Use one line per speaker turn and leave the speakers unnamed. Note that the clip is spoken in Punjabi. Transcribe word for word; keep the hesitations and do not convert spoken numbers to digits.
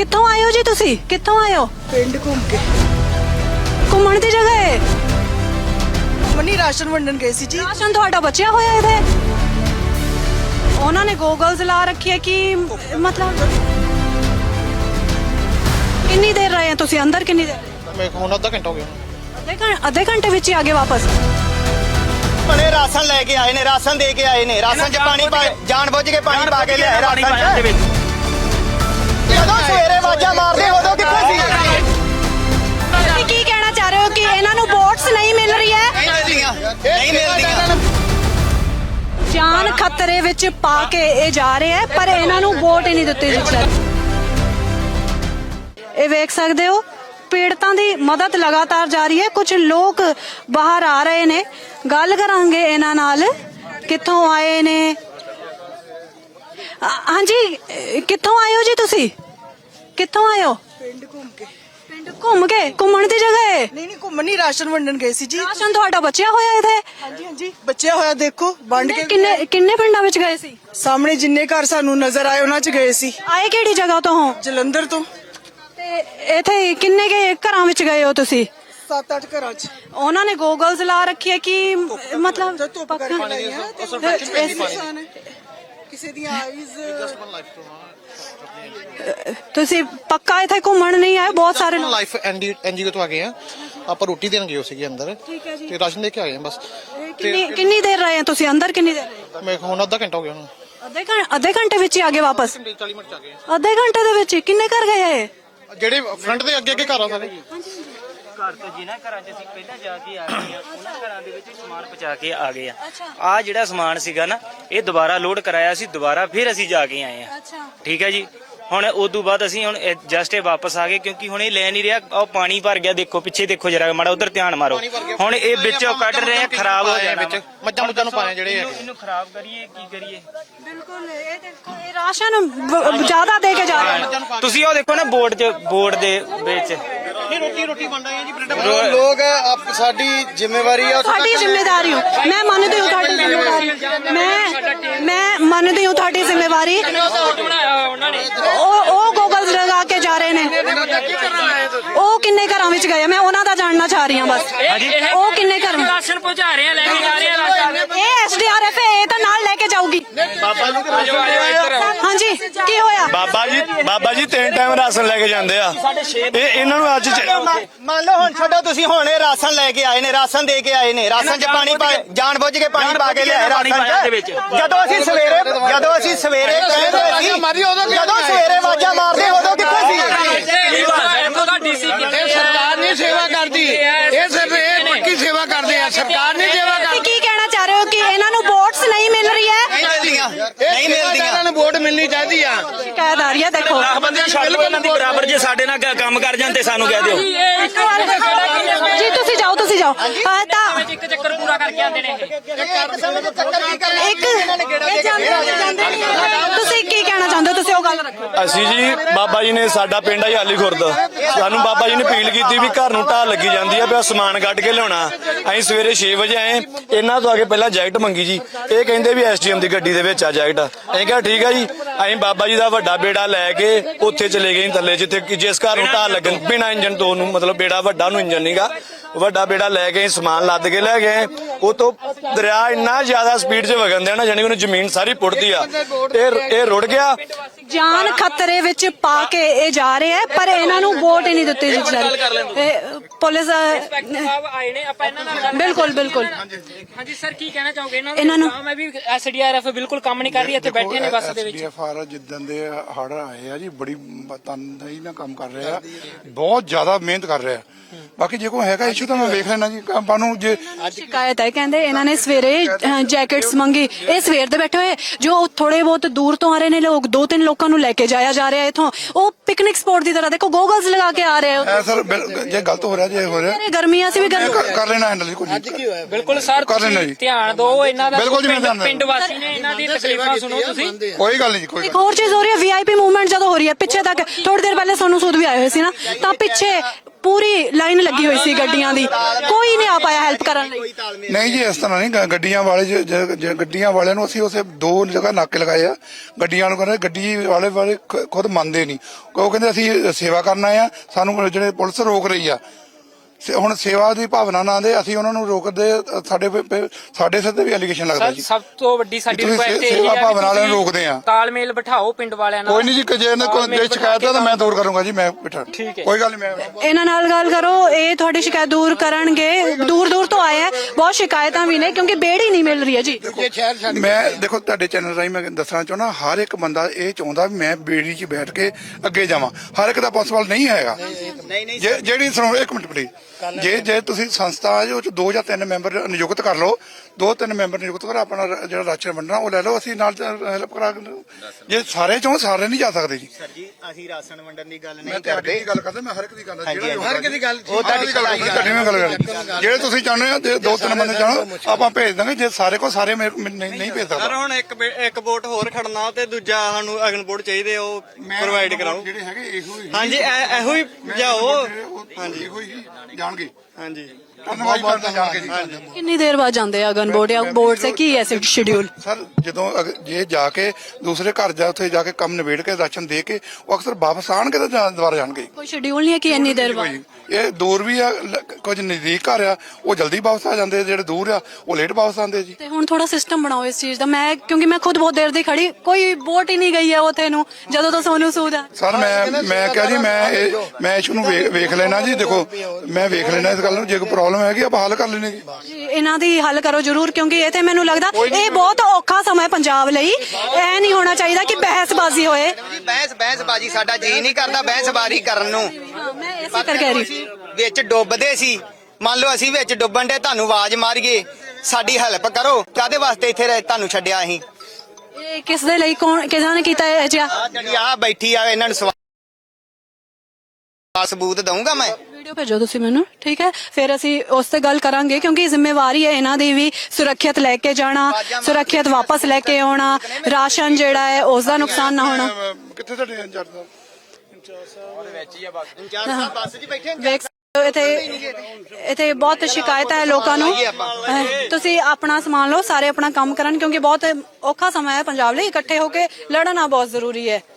ਕਿੱਥੋਂ ਆਏ ਹੋ ਜੀ ਤੁਸੀਂ? ਕਿੱਥੋਂ ਆਏ ਹੋ?
ਪਿੰਡ ਘੁੰਮ ਕੇ
ਘੁੰਮਣ ਦੀ ਜਗ੍ਹਾ ਹੈ?
ਮਨੀ ਰਾਸ਼ਨ ਵੰਡਣ ਗਏ ਸੀ ਜੀ।
ਰਾਸ਼ਨ ਤੁਹਾਡਾ ਬਚਿਆ ਹੋਇਆ ਇਹਦੇ? ਉਹਨਾਂ ਨੇ ਗੋਗਲਸ ਲਾ ਰੱਖੀ ਹੈ ਕਿ ਮਤਲਬ ਕਿੰਨੀ ਦੇਰ ਰਹੇ ਹੋ ਤੁਸੀਂ ਅੰਦਰ? ਕਿੰਨੀ ਦੇਰ?
ਮੇਰੇ ਕੋਲ ਹੁਣ ਅੱਧਾ ਘੰਟਾ ਹੋ ਗਿਆ।
ਅੱਧੇ ਘੰ- ਅੱਧੇ ਘੰਟੇ ਵਿੱਚ ਹੀ ਆ ਗਏ ਵਾਪਸ?
ਬਣੇ ਰਾਸ਼ਨ ਲੈ ਕੇ ਆਏ ਨੇ, ਰਾਸ਼ਨ ਦੇ ਕੇ ਆਏ ਨੇ, ਰਾਸ਼ਨ 'ਚ ਪਾਣੀ ਪਾ ਜਾਣ ਬੁੱਝ ਕੇ ਪਾਣੀ ਪਾ ਕੇ ਲਿਆਏ ਰਾਸ਼ਨ 'ਚ। ਜਦੋਂ ਸਵੇਰੇ ਆਵਾਜ਼ਾਂ ਮਾਰਦੇ ਉਦੋਂ ਕਿੱਥੇ ਸੀ?
ਤੁਸੀਂ ਕੀ ਕਹਿਣਾ ਚਾਹ ਰਹੇ ਹੋ ਕਿ ਇਹਨਾਂ ਨੂੰ ਵੋਟਸ ਨਹੀਂ ਮਿਲ ਰਹੀ ਹੈ?
ਨਹੀਂ ਮਿਲਦੀਆਂ।
ਜਾਨ ਖਤਰੇ ਵਿੱਚ ਪਾ ਕੇ ਇਹ ਜਾ ਰਹੇ ਹੈ ਪਰ ਇਹਨਾਂ ਨੂੰ ਵੋਟ ਹੀ ਨਹੀਂ ਦਿੱਤੀ ਜਾ ਰਹੀ। ਇਹ ਵੇਖ ਸਕਦੇ ਹੋ ਪੀੜਤਾਂ ਦੀ ਮਦਦ ਲਗਾਤਾਰ ਜਾਰੀ ਹੈ। ਕੁਝ ਲੋਕ ਬਾਹਰ ਆ ਰਹੇ ਨੇ, ਗੱਲ ਕਰਾਂਗੇ ਇਹਨਾਂ ਨਾਲ। ਕਿੱਥੋਂ ਆਏ ਨੇ? ਹਾਂਜੀ, ਕਿੱਥੋਂ ਆਏ ਹੋ ਜੀ ਤੁਸੀਂ? ਕਿੱਥੋਂ ਆਏ ਹੋ?
ਪਿੰਡ ਘੁੰਮ ਕੇ
ਪਿੰਡ ਘੁੰਮ ਕੇ? ਘੁੰਮਣ ਦੀ ਜਗ੍ਹਾ ਹੈ?
ਨਹੀਂ ਨਹੀਂ ਘੁੰਮਣ ਨਹੀਂ, ਰਾਸ਼ਨ ਵੰਡਣ ਗਏ ਸੀ ਜੀ।
ਰਾਸ਼ਨ ਤੁਹਾਡਾ ਬਚਿਆ ਹੋਇਆ ਇਹਦੇ?
ਹਾਂਜੀ ਹਾਂਜੀ ਬਚਿਆ ਹੋਇਆ ਦੇਖੋ ਵੰਡ ਕੇ।
ਕਿੰਨੇ ਕਿੰਨੇ ਪਿੰਡਾਂ ਵਿੱਚ ਗਏ ਸੀ?
ਸਾਹਮਣੇ ਜਿੰਨੇ ਘਰ ਸਾਨੂੰ ਨਜ਼ਰ ਆਏ ਉਹਨਾਂ 'ਚ ਗਏ ਸੀ।
ਆਏ ਕਿਹੜੀ ਜਗ੍ਹਾ ਤੋਂ ਹੋ?
ਜਲੰਧਰ ਤੋਂ।
ਤੇ ਇੱਥੇ ਕਿੰਨੇ ਕੇ ਘਰਾਂ ਵਿੱਚ ਗਏ ਹੋ ਤੁਸੀਂ?
ਸੱਤ ਅੱਠ ਘਰਾਂ 'ਚ।
ਉਹਨਾਂ ਨੇ ਗੋਗਲਸ ਲਾ ਰੱਖੀ ਹੈ ਕਿ ਮਤਲਬ
ਜਦ ਧੁੱਪ ਕਰਕੇ ਲਾਈਆਂ ਤੇ ਇਸ- ਕਿਸੇ ਦੀਆਂ ਆਈਜ਼।
ਤੁਸੀਂ ਪੱਕਾ ਇੱਥੇ ਘੁੰਮਣ ਨਹੀਂ ਆਏ? ਬਹੁਤ ਸਾਰੇ ਲੋਕ।
ਲਾਈਫ ਐਨਜੀਓ ਤੋਂ ਆ ਗਏ ਆ ਆਪਾਂ, ਰੋਟੀ ਦੇਣ ਗਏ ਸੀਗੇ ਅੰਦਰ
ਠੀਕ ਹੈ ਜੀ।
ਤੇ ਰਾਸ਼ਨ ਦੇ ਕੇ ਆਏ ਆ ਬਸ।
ਕਿੰਨੀ ਕਿੰਨੀ ਦੇਰ ਰਹੇ ਹੋ ਤੁਸੀਂ ਅੰਦਰ? ਕਿੰਨੀ ਦੇਰ ਰਹੇ?
ਮੇਰੇ ਕੋਲ ਹੁਣ ਅੱਧਾ ਘੰਟਾ ਹੋ ਗਿਆ। ਹੁਣ
ਅੱਧੇ ਘੰ- ਅੱਧੇ ਘੰਟੇ ਵਿੱਚ ਹੀ ਆ ਗਏ ਵਾਪਸ?
ਚਾਲੀ ਮਿੰਟ ਚ ਆ ਗਏ।
ਅੱਧੇ ਘੰਟੇ ਦੇ ਵਿੱਚ ਕਿੰਨੇ ਘਰ ਗਏ ਇਹ?
ਜਿਹੜੇ ਫਰੰਟ ਦੇ ਅੱਗੇ ਅੱਗੇ ਘਰ ਆ ਸਾਰੇ।
ਘਰ ਤੋਂ ਜਿਨ੍ਹਾਂ ਘਰਾਂ 'ਚ ਅਸੀਂ ਪਹਿਲਾਂ ਜਾ ਕੇ ਆ ਗਏ ਆ ਉਹਨਾਂ ਘਰਾਂ ਦੇ ਵਿੱਚ ਸਮਾਨ ਪਹੁੰਚਾ ਕੇ ਆ ਗਏ ਆ। ਆ ਜਿਹੜਾ ਸਮਾਨ ਸੀਗਾ ਨਾ ਇਹ ਦੁਬਾਰਾ ਲੋਡ ਕਰਾਇਆ ਸੀ, ਦੁਬਾਰਾ ਫਿਰ ਅਸੀਂ ਜਾ ਕੇ ਆਏ ਆ। ਠੀਕ ਹੈ ਜੀ। ਹੁਣ ਉਦੋਂ ਬਾਅਦ ਅਸੀਂ ਹੁਣ ਜਸਟ ਇਹ ਵਾਪਸ ਆ ਗਏ ਕਿਉਂਕਿ ਹੁਣ ਇਹ ਲੈ ਨਹੀਂ ਰਿਹਾ। ਉਹ ਪਾਣੀ ਭਰ ਗਿਆ, ਦੇਖੋ ਪਿੱਛੇ ਦੇਖੋ ਜਰਾ ਮਾੜਾ ਉਧਰ ਧਿਆਨ ਮਾਰੋ। ਹੁਣ ਇਹ ਵਿੱਚੋਂ ਕੱਢ ਰਹੇ ਆ, ਖਰਾਬ ਹੋ ਜਾਣਾ
ਵਿੱਚ ਮੱਝਾਂ ਮੁੱਝਾਂ ਨੂੰ ਪਾਏ ਜਿਹੜੇ
ਇਹਨੂੰ ਇਹਨੂੰ ਖਰਾਬ ਕਰੀਏ ਕੀ ਕਰੀਏ?
ਬਿਲਕੁਲ। ਇਹ ਦੇਖੋ ਇਹ ਰਾਸ਼ਨ ਬ- ਜ਼ਿਆਦਾ ਦੇ ਕੇ ਜਾ ਰਹੇ ਹੋ।
ਤੁਸੀਂ ਉਹ ਦੇਖੋ ਨਾ ਬੋਰਡ 'ਚ, ਬੋਰਡ ਦੇ ਵਿੱਚ
ਰੋਟੀ ਰੋਟੀ ਬਣ ਰਹੀ ਹੈ ਜੀ।
ਲੋਕ ਆਪ ਸਾਡੀ ਜ਼ਿੰਮੇਵਾਰੀ ਆ।
ਤੁਹਾਡੀ ਜ਼ਿੰਮੇਵਾਰੀ ਹੋ, ਮੈਂ ਮੰਨਦੀ ਹਾਂ ਤੁਹਾਡੀ ਜ਼ਿੰਮੇਵਾਰੀ। ਮੈਂ ਮੈਂ ਮੰਨਦੀ ਹਾਂ ਤੁਹਾਡੀ ਜ਼ਿੰਮੇਵਾਰੀ। ਉਹ ਉਹ ਗੋਗਲਸ ਲਗਾ ਕੇ ਜਾ ਰਹੇ ਨੇ। ਉਹ ਕਿੰਨੇ ਘਰਾਂ ਵਿੱਚ ਗਏ? ਮੈਂ ਉਹਨਾਂ ਦਾ ਜਾਣਨਾ ਚਾਹ ਰਹੀ ਹਾਂ ਬਸ। ਉਹ ਕਿੰਨੇ ਘਰ?
ਰਾਸ਼ਨ ਪਹੁੰਚਾ ਰਹੇ ਆ, ਲੈ ਕੇ ਜਾ ਰਹੇ ਆ ਰਾਸ਼ਨ।
ਇਹ ਐਸਡੀਆਰਐਫ ਇਹ ਤਾਂ ਨਾਲ ਲੈ ਕੇ ਜਾਊਗੀ। ਹਾਂਜੀ, ਕੀ ਹੋਇਆ?
ਬਾਬਾ ਜੀ ਬਾਬਾ ਜੀ ਤਿੰਨ ਟਾਈਮ ਰਾਸ਼ਨ ਲੈ ਕੇ ਜਾਂਦੇ ਆ। ਇਹ ਇਹਨਾਂ ਨੂੰ ਅੱਜ
ਮੰਨ ਲਓ ਹੁਣ ਛੱਡੋ, ਤੁਸੀਂ ਹੁਣ ਇਹ ਰਾਸ਼ਨ ਲੈ ਕੇ ਆਏ ਨੇ, ਰਾਸ਼ਨ ਦੇ ਕੇ ਆਏ ਨੇ, ਰਾਸ਼ਨ 'ਚ ਪਾਣੀ ਪਾ ਜਾਣ ਬੁੱਝ ਕੇ ਪਾਣੀ ਪਾ ਕੇ ਲਿਆਏ ਰਾਸ਼ਨ 'ਚ। ਜਦੋਂ ਅਸੀਂ ਸਵੇਰੇ ਜਦੋਂ ਅਸੀਂ ਸਵੇਰੇ ਕਹਿੰਦੇ ਸੀ, ਜਦੋਂ ਸਵੇਰੇ ਆਵਾਜ਼ਾਂ ਮਾਰਦੇ ਉਦੋਂ ਕਿੱਥੇ ਸੀ?
ਇੱਥੋਂ ਦਾ ਡੀਸੀ
ਸਰਕਾਰ ਨਹੀਂ ਸੇਵਾ ਕਰਦੀ, ਇਹ ਸਿਰਫ ਇਹ ਪੱਕੀ ਸੇਵਾ ਕਰਦੇ ਆ, ਸਰਕਾਰ ਨਹੀਂ ਸੇਵਾ ਕਰਦੀ।
ਤੁਸੀਂ ਕੀ ਕਹਿਣਾ ਚਾਹ ਰਹੇ ਹੋ ਕਿ ਇਹਨਾਂ ਨੂੰ ਵੋਟਸ ਨਹੀਂ ਮਿਲ ਰਹੀ ਹੈ?
ਨਹੀਂ ਮਿਲਦੀਆਂ, ਨਹੀਂ ਮਿਲਦੀਆਂ।
ਇਹਨਾਂ ਨੂੰ ਵੋਟ ਮਿਲਣੀ ਚਾਹੀਦੀ ਆ।
ਸ਼ਿਕਾਇਤ ਆ ਰਹੀ ਹੈ। ਦੇਖੋ
ਬੰਦੇ ਛੱਡ ਲਓ ਇਹਨਾਂ ਦੀ ਬਰਾਬਰ। ਜੇ ਸਾਡੇ ਨਾਲ ਕੰਮ ਕਰ ਜਾਣ ਤੇ ਸਾਨੂੰ ਕਹਿ ਦਿਓ।
ਇੱਕ ਵਾਰ ਜੀ ਤੁਸੀਂ ਜਾਓ, ਤੁਸੀਂ ਜਾਓ। ਹਾਂ ਤਾਂ
ਇੱਕ ਚੱਕਰ ਪੂਰਾ ਕਰਕੇ ਆਉਂਦੇ ਨੇ ਇਹ।
ਇੱਕ ਇਹ ਜਾਂਦੇ ਜਾਂਦੇ ਨਹੀਂ। ਤੁਸੀਂ ਕੀ ਕਹਿਣਾ ਚਾਹੁੰਦੇ ਹੋ? ਤੁਸੀਂ ਉਹ ਗੱਲ ਰੱਖੋ।
ਅਸੀਂ ਜੀ ਬਾਬਾ ਜੀ ਨੇ, ਸਾਡਾ ਪਿੰਡ ਆ ਹਾਲੀ ਖੁਰਦ, ਸਾਨੂੰ ਬਾਬਾ ਜੀ ਨੇ ਅਪੀਲ ਕੀਤੀ ਵੀ ਘਰ ਨੂੰ ਢਾਹ ਲੱਗੀ ਜਾਂਦੀ ਆ, ਪਿਆ ਸਮਾਨ ਕੱਢ ਕੇ ਲਿਆਉਣਾ। ਅਸੀਂ ਸਵੇਰੇ ਛੇ ਵਜੇ ਆਏ, ਇਹਨਾਂ ਤੋਂ ਆ ਕੇ ਪਹਿਲਾਂ ਜੈਕਟ ਮੰਗੀ ਜੀ। ਇਹ ਕਹਿੰਦੇ ਵੀ ਐਸਡੀਐਮ ਦੀ ਗੱਡੀ ਦੇ ਵਿੱਚ ਆ ਜੈਕਟ। ਅਸੀਂ ਕਿਹਾ ਠੀਕ ਆ ਜੀ। ਅਸੀਂ ਬਾਬਾ ਜੀ ਦਾ ਵੱਡਾ ਬੇੜਾ ਲੈ ਕੇ ਉੱਥੇ ਚਲੇ ਗਏ ਥੱਲੇ, ਜਿੱਥੇ ਜਿਸ ਘਰ ਨੂੰ ਢਾਹ ਲੱਗਣ, ਬਿਨਾਂ ਇੰਜਨ ਤੋਂ ਉਹਨੂੰ, ਮਤਲਬ ਬੇੜਾ ਵੱਡਾ ਨੂੰ ਇੰਜਨ ਨਹੀਂਗਾ, ਵੱਡਾ ਬੇੜਾ ਲੈ ਕੇ ਸਮਾਨ ਲੱਦ ਕੇ ਲੈ ਗਏ। ਉਹ ਤੋਂ ਦਰਿਆ ਇੰਨਾ ਜ਼ਿਆਦਾ ਸਪੀਡ 'ਚ ਵਗਣ ਦਿਆ ਨਾ, ਜਾਨੀ ਉਹਨੂੰ ਜ਼ਮੀਨ ਸਾਰੀ ਪੁੱਟਦੀ ਆ। ਇਹ ਇਹ ਰੁੜ ਗਿਆ।
ਜਾਨ ਖਤਰੇ ਵਿੱਚ ਪਾ ਕੇ ਇਹ ਜਾ ਰਹੇ ਹੈ ਪਰ ਇਹਨਾਂ ਨੂੰ ਵੋਟ ਹੀ ਨਹੀਂ ਦਿੱਤੀ ਜਾ ਰਹੀ। ਪੁਲਿਸ
ਸਾਹਿਬ ਆਏ ਨੇ, ਆਪਾਂ ਇਹਨਾਂ ਨਾਲ
ਬਿਲਕੁਲ ਬਿਲਕੁਲ।
ਹਾਂਜੀ ਸਰ, ਕੀ ਕਹਿਣਾ ਚਾਹੋਗੇ ਇਹਨਾਂ
ਇਹਨਾਂ ਨੂੰ?
ਮੈਂ ਵੀ ਐਸਡੀਆਰਐਫ ਬਿਲਕੁਲ ਕੰਮ ਨਹੀਂ ਕਰ ਰਹੀ, ਇੱਥੇ ਬੈਠੇ ਨੇ ਬੱਸ ਦੇ ਵਿੱਚ।
ਐਸਡੀਐਫਆਰ ਜਿੱਦਣ ਦੇ ਹੜ ਆਏ ਆ ਜੀ, ਬੜੀ ਤਨਦੇਹੀ ਨਾਲ ਕੰਮ ਕਰ ਰਹੇ ਆ, ਬਹੁਤ ਜ਼ਿਆਦਾ ਮਿਹਨਤ ਕਰ ਰਹੇ ਆ। ਬਾਕੀ ਜੇ ਕੋਈ ਹੈਗਾ ਇਸ਼ੂ ਤਾਂ ਮੈਂ ਵੇਖ ਲੈਣਾ ਜੀ। ਆਪਾਂ ਨੂੰ ਜੇ
ਸ਼ਿਕਾਇਤ ਹੈ, ਕਹਿੰਦੇ ਇਹਨਾਂ ਨੇ ਸਵੇਰੇ ਜੈਕਟਸ ਮੰਗੀ। ਇਹ ਸਵੇਰ ਦੇ ਬੈਠੇ ਹੋਏ ਜੋ ਥੋੜੇ ਬਹੁਤ ਦੂਰ ਤੋਂ ਆ ਰਹੇ ਨੇ ਲੋਕ, ਦੋ ਤਿੰਨ ਲੋਕਾਂ ਨੂੰ ਲੈ ਕੇ ਜਾਇਆ ਜਾ ਰਿਹਾ ਇਥੋਂ। ਉਹ ਪਿਕਨਿਕ ਸਪੌਟ ਦੀ ਤਰ੍ਹਾਂ ਦੇਖੋ ਗੋਗਲਸ ਲਗਾ ਕੇ ਆ ਰਹੇ ਹੋ।
ਐ ਸਰ ਜੇ ਗਲਤ ਹੋ ਰਿਹਾ, ਜੇ ਹੋ ਰਿਹਾ
ਗਰਮੀਆਂ ਸੀ ਵੀ ਗਰਮੀ
ਕਰ- ਕਰ ਲੈਣਾ ਹੈਂਡਲ ਕੋਈ ਨਹੀਂ।
ਬਿਲਕੁਲ ਸਰ,
ਕਰ ਲੈਣਾ ਜੀ।
ਧਿਆਨ ਦਿਓ ਇਹਨਾਂ ਦਾ।
ਬਿਲਕੁਲ ਜੀ, ਮੈਂ ਧਿਆਨ
ਪਿੰਡ ਵਾਸੀ ਨੇ, ਇਹਨਾਂ ਦੀ ਤਕਲੀਫਾਂ ਸੁਣੋ ਤੁਸੀਂ।
ਕੋਈ ਗੱਲ ਨਹੀਂ, ਕੋਈ
ਇੱਕ ਹੋਰ ਚੀਜ਼ ਹੋ ਰਹੀ ਹੈ, ਵੀਆਈਪੀ ਮੂਵਮੈਂਟ ਜਦੋਂ ਹੋ ਰਹੀ ਹੈ ਪਿੱਛੇ ਤੱਕ, ਥੋੜੀ ਦੇਰ ਪਹਿਲੇ ਸੋਨੂੰ ਸੂਦ ਵੀ ਆਏ ਹੋਏ ਸੀ ਨਾ, ਤਾਂ ਪਿੱਛੇ ਪੂਰੀ ਲਾਈਨ ਲੱਗੀ ਹੋਈ ਸੀ ਗੱਡੀਆਂ ਦੀ, ਕੋਈ ਨਹੀਂ ਆ ਪਾਇਆ ਹੈਲਪ ਕਰਨ ਲਈ।
ਨਹੀਂ ਜੀ ਇਸ ਤਰ੍ਹਾਂ ਨਹੀਂ ਗ- ਗੱਡੀਆਂ ਵਾਲੇ ਜ- ਜ- ਜ- ਗੱਡੀਆਂ ਵਾਲਿਆਂ ਨੂੰ ਅਸੀਂ ਉਸੇ ਦੋ ਜਗ੍ਹਾ ਨਾਕੇ ਲਗਾਏ ਆ। ਗੱਡੀਆਂ ਨੂੰ ਕਹਿੰਦੇ ਗੱਡੀ ਵਾਲੇ ਵਾਲੇ ਖ- ਖੁਦ ਮੰਨਦੇ ਨਹੀਂ, ਉਹ ਕਹਿੰਦੇ ਅਸੀਂ ਸੇਵਾ ਕਰਨ ਆਏ ਆ, ਸਾਨੂੰ ਜਿਹੜੇ ਪੁਲਿਸ ਰੋਕ ਰਹੀ ਆ। ਸੇ- ਹੁਣ ਸੇਵਾ ਦੀ ਭਾਵਨਾ ਨਾਲ ਦੇ ਅਸੀਂ ਉਹਨਾਂ ਨੂੰ ਰੋਕਦੇ, ਸਾਡੇ ਪੇ- ਪੇ- ਸਾਡੇ ਸਿਰ ਤੇ ਵੀ ਐਲੀਗੇਸ਼ਨ ਲੱਗਦਾ
ਸਰ
ਜੀ।
ਸਭ ਤੋਂ ਵੱਡੀ ਸਾਡੀ
ਤੁਸੀਂ
ਰਿਕੁਐਸਟ ਇਹ
ਸੇਵਾ
ਹੈ
ਭਾਵਨਾ ਵਾਲਿਆਂ ਨੂੰ
ਤੁਸੀਂ
ਰੋਕਦੇ ਆ।
ਤਾਲਮੇਲ ਬਿਠਾਓ ਪਿੰਡ ਵਾਲਿਆਂ ਨਾਲ।
ਕੋਈ ਨਹੀਂ ਜੀ, ਕਿ ਜੇ ਇਹਨਾਂ ਕੋਲ ਜੇ ਸ਼ਿਕਾਇਤ ਹੈ ਤਾਂ ਮੈਂ ਦੂਰ ਕਰੂੰਗਾ ਜੀ, ਮੈਂ ਬਿਠਾ
ਠੀਕ ਹੈ।
ਕੋਈ ਗੱਲ ਨਹੀਂ। ਮੈਂ
ਇਹਨਾਂ ਨਾਲ ਗੱਲ ਕਰੋ, ਇਹ ਤੁਹਾਡੀ ਸ਼ਿਕਾਇਤ ਦੂਰ ਕਰਨਗੇ। ਦੂਰ ਦੂਰ ਤੋਂ ਆਏ ਆ, ਬਹੁਤ ਸ਼ਿਕਾਇਤਾਂ ਵੀ ਨੇ ਕਿਉਂਕਿ ਬੇੜੀ ਨਹੀਂ ਮਿਲ ਰਹੀ ਹੈ ਜੀ।
ਮੈਂ ਦੇਖੋ ਤੁਹਾਡੇ ਚੈਨਲ ਰਾਹੀਂ ਮੈਂ ਦੱਸਣਾ ਚਾਹੁੰਦਾ, ਹਰ ਇੱਕ ਬੰਦਾ ਇਹ ਚਾਹੁੰਦਾ ਵੀ ਮੈਂ ਬੇੜੀ 'ਚ ਬੈਠ ਕੇ ਅੱਗੇ ਜਾਵਾਂ। ਹਰ ਇੱਕ ਦਾ ਪੋਸੀਬਲ ਨਹੀਂ ਹੈਗਾ। ਜੇ ਜਿਹੜੀ ਸੁਣੋ ਇੱਕ ਮਿੰਟ ਪਲੀਜ਼, ਜੇ ਜੇ ਤੁਸੀਂ ਸੰਸਥਾ ਜੋ ਦੋ ਜਾਂ ਤਿੰਨ ਮੈਂਬਰ ਨਿਯੁਕਤ ਕਰ ਲਓ, ਦੋ ਤਿੰਨ ਮੈਂਬਰ ਨਿਯੁਕਤ ਕਰ, ਆਪਣਾ ਰ- ਜਿਹੜਾ ਰਾਸ਼ਨ ਵੰਡਣਾ ਉਹ ਲੈ ਲਓ, ਅਸੀਂ ਨਾਲ ਹੈਲਪ ਕਰਾ ਕੇ। ਜੇ ਸਾਰੇ ਚਾਹੋ ਸਾਰੇ ਨਹੀਂ ਜਾ ਸਕਦੇ ਜੀ।
ਸਰ ਜੀ ਅਸੀਂ ਰਾਸ਼ਨ ਵੰਡਣ ਦੀ ਗੱਲ
ਮੈਂ
ਨਹੀਂ
ਤੁਹਾਡੀ
ਕਰਦੇ।
ਦੀ ਗੱਲ ਕਰਦਾ, ਮੈਂ ਹਰ ਇੱਕ ਦੀ ਗੱਲ
ਹਾਂਜੀ,
ਜਿਹੜਾ
ਹਰ ਇੱਕ ਦੀ ਗੱਲ-
ਉਹ ਤੁਹਾਡੀ ਗੱਲ ਕਰਦਾ, ਤੁਹਾਡੀ ਮੈਂ ਗੱਲ ਕਰਦਾ। ਜਿਹੜੇ ਤੁਸੀਂ ਚਾਹੁੰਦੇ ਹੋ ਜੇ ਦੋ ਤਿੰਨ ਬੰਦੇ ਚਾਹੋ ਆਪਾਂ ਭੇਜ ਦਾਂਗੇ, ਜੇ ਸਾਰੇ ਕੋ ਸਾਰੇ ਮੇਰੇ- ਮੈਂ ਨਹੀਂ ਨਹੀਂ ਭੇਜ
ਸਰ
ਸਕਦਾ।
ਹੁਣ ਇੱਕ ਬੇ- ਇੱਕ ਵੋਟ ਹੋਰ ਖੜਨਾ ਤੇ ਦੂਜਾ ਸਾਨੂੰ ਅਗਨ ਵੋਟ ਚਾਹੀਦੇ ਉਹ ਪ੍ਰੋਵਾਈਡ ਕਰਾਓ।
ਜਿਹੜੇ ਹੈਗੇ ਇਹੋ ਹੀ
ਹਾਂਜੀ ਐ- ਇਹੋ ਹੀ ਜਾਓ।
ਹਾਂਜੀ ਇਹੋ ਹੀ ਜਾਣਗੇ।
ਹਾਂਜੀ
ਧੰਨਵਾਦ ਕਰਦਾ ਜਾਣਗੇ ਜੀ।
ਕਿੰਨੀ ਦੇਰ ਬਾਅਦ ਜਾਂਦੇ ਆ ਅਗਨ ਬੋਰਡ ਜਾਂ ਬੋਰਡ ਸੇ ਕੀ ਹੈ ਸ਼ਡਿਊਲ?
ਸਰ ਜਦੋਂ ਅਗ- ਜੇ ਜਾ ਕੇ ਦੂਸਰੇ ਘਰ ਜਾ ਉੱਥੇ ਜਾ ਕੇ ਕੰਮ ਨਿਬੇੜ ਕੇ ਰਾਸ਼ਨ ਦੇ ਕੇ ਉਹ ਅਕਸਰ ਵਾਪਸ ਆਣਗੇ ਤਾਂ ਜਾਂ ਦੁਬਾਰਾ ਜਾਣਗੇ।
ਕੋਈ ਸ਼ਡਿਊਲ ਨਹੀਂ ਹੈ ਕਿ ਇੰਨੀ ਦੇਰ ਬਾਅਦ?
ਕੋਈ ਇਹ ਦੂਰ ਵੀ ਆ, ਲ- ਕੁਝ ਨਜ਼ਦੀਕ ਘਰ ਆ ਉਹ ਜਲਦੀ ਵਾਪਸ ਆ ਜਾਂਦੇ, ਜਿਹੜੇ ਦੂਰ ਆ ਉਹ ਲੇਟ ਵਾਪਸ ਆਉਂਦੇ ਜੀ।
ਤੇ ਹੁਣ ਥੋੜਾ ਸਿਸਟਮ ਬਣਾਓ ਇਸ ਚੀਜ਼ ਦਾ। ਮੈਂ ਕਿਉਂਕਿ ਮੈਂ ਖੁਦ ਬਹੁਤ ਦੇਰ ਦੀ ਖੜੀ, ਕੋਈ ਵੋਟ ਹੀ ਨਹੀਂ ਗਈ ਹੈ ਉੱਥੇ ਨੂੰ ਜਦੋਂ ਤੋਂ ਸੋਨੂੰ ਸੂਦ ਆ।
ਸਰ ਮੈਂ ਮੈਂ ਕਿਹਾ ਜੀ ਮੈਂ ਇਹ ਮੈਂ ਇਸ ਨੂੰ ਵੇਖ ਵੇਖ ਲੈਣਾ ਜੀ। ਦੇਖੋ ਮੈਂ ਵੇਖ ਲੈਣਾ ਇਸ ਗੱਲ ਨੂੰ, ਜੇ ਕੋਈ ਪ੍ਰੋਬਲਮ ਹੈਗੀ ਆਪਾਂ ਹੱਲ ਕਰ ਲੈਣੇ ਜੀ।
ਜੀ, ਇਹਨਾਂ ਦੀ ਹੱਲ ਕਰੋ ਜ਼ਰੂਰ, ਕਿਉਂਕਿ ਇਹ ਤੇ ਮੈਨੂੰ ਲੱਗਦਾ ਇਹ ਬਹੁਤ ਔਖਾ ਸਮਾਂ ਹੈ ਪੰਜਾਬ ਲਈ। ਇਹ ਨਹੀਂ ਹੋਣਾ ਚਾਹੀਦਾ ਕਿ ਬਹਿਸਬਾਜ਼ੀ ਹੋਏ।
ਬਹਿਸ ਬਹਿਸਬਾਜੀ ਸਾਡਾ ਜੀ ਨਹੀਂ ਕਰਦਾ ਬਹਿਸਬਾਜ਼ੀ ਕਰਨ ਨੂੰ।
ਹਾਂ, ਮੈਂ ਇਸੇ ਕਰਕੇ ਕਹਿ ਰਹੀ ਸੀ।
ਵਿੱਚ ਡੁੱਬਦੇ ਸੀ, ਮੰਨ ਲਓ ਅਸੀਂ ਵਿੱਚ ਡੁੱਬਣ ਦੇ ਤੁਹਾਨੂੰ ਆਵਾਜ਼ ਮਾਰੀਏ ਸਾਡੀ ਹੈਲਪ ਕਰੋ, ਕਾਹਦੇ ਵਾਸਤੇ ਇੱਥੇ ਰਹਿ- ਤੁਹਾਨੂੰ ਛੱਡਿਆ ਅਸੀਂ।
ਇਹ ਕਿਸ ਦੇ ਲਈ, ਕੌਣ ਕਿਸਾਂ ਨੇ ਕੀਤਾ ਇਹ ਜਿਹਾ?
ਆ ਜਿਹੜੀ ਆ ਬੈਠੀ ਆ ਇਹਨਾਂ ਨੂੰ ਸਵਾਲ ਸਬੂਤ ਦਊਂਗਾ ਮੈਂ।
ਵੀਡੀਓ ਭੇਜੋ ਤੁਸੀਂ ਮੈਨੂੰ, ਠੀਕ ਹੈ? ਫਿਰ ਅਸੀਂ ਉਸ ਤੇ ਗੱਲ ਕਰਾਂਗੇ ਕਿਉਂਕਿ ਜ਼ਿੰਮੇਵਾਰੀ ਹੈ ਇਹਨਾਂ ਦੀ ਵੀ, ਸੁਰੱਖਿਅਤ ਲੈ ਕੇ ਜਾਣਾ, ਸੁਰੱਖਿਅਤ ਵਾਪਸ ਲੈ ਕੇ ਆਉਣਾ, ਰਾਸ਼ਨ ਜਿਹੜਾ ਹੈ ਉਸ ਦਾ ਨੁਕਸਾਨ ਨਾ ਹੋਣਾ।
ਕਿੱਥੇ ਤੁਹਾਡੇ ਇੰਚਾਰਜ ਸਾਹਿਬ?
ਇੰਚਾਰਜ ਸਾਹਿਬ ਬੱਸ 'ਚ ਬੈਠੇ
ਵੇਖ ਸਕਦੇ ਹੋ ਇੱਥੇ ਇੱਥੇ ਬਹੁਤ ਸ਼ਿਕਾਇਤ ਹੈ ਲੋਕਾਂ ਨੂੰ। ਅਹ ਤੁਸੀਂ ਆਪਣਾ ਸਮਾਨ ਲਓ, ਸਾਰੇ ਆਪਣਾ ਕੰਮ ਕਰਨ ਕਿਉਂਕਿ ਬਹੁਤ ਔਖਾ ਸਮਾਂ ਹੈ ਪੰਜਾਬ ਲਈ। ਇਕੱਠੇ ਹੋ ਕੇ ਲੜਨਾ ਬਹੁਤ ਜ਼ਰੂਰੀ ਹੈ।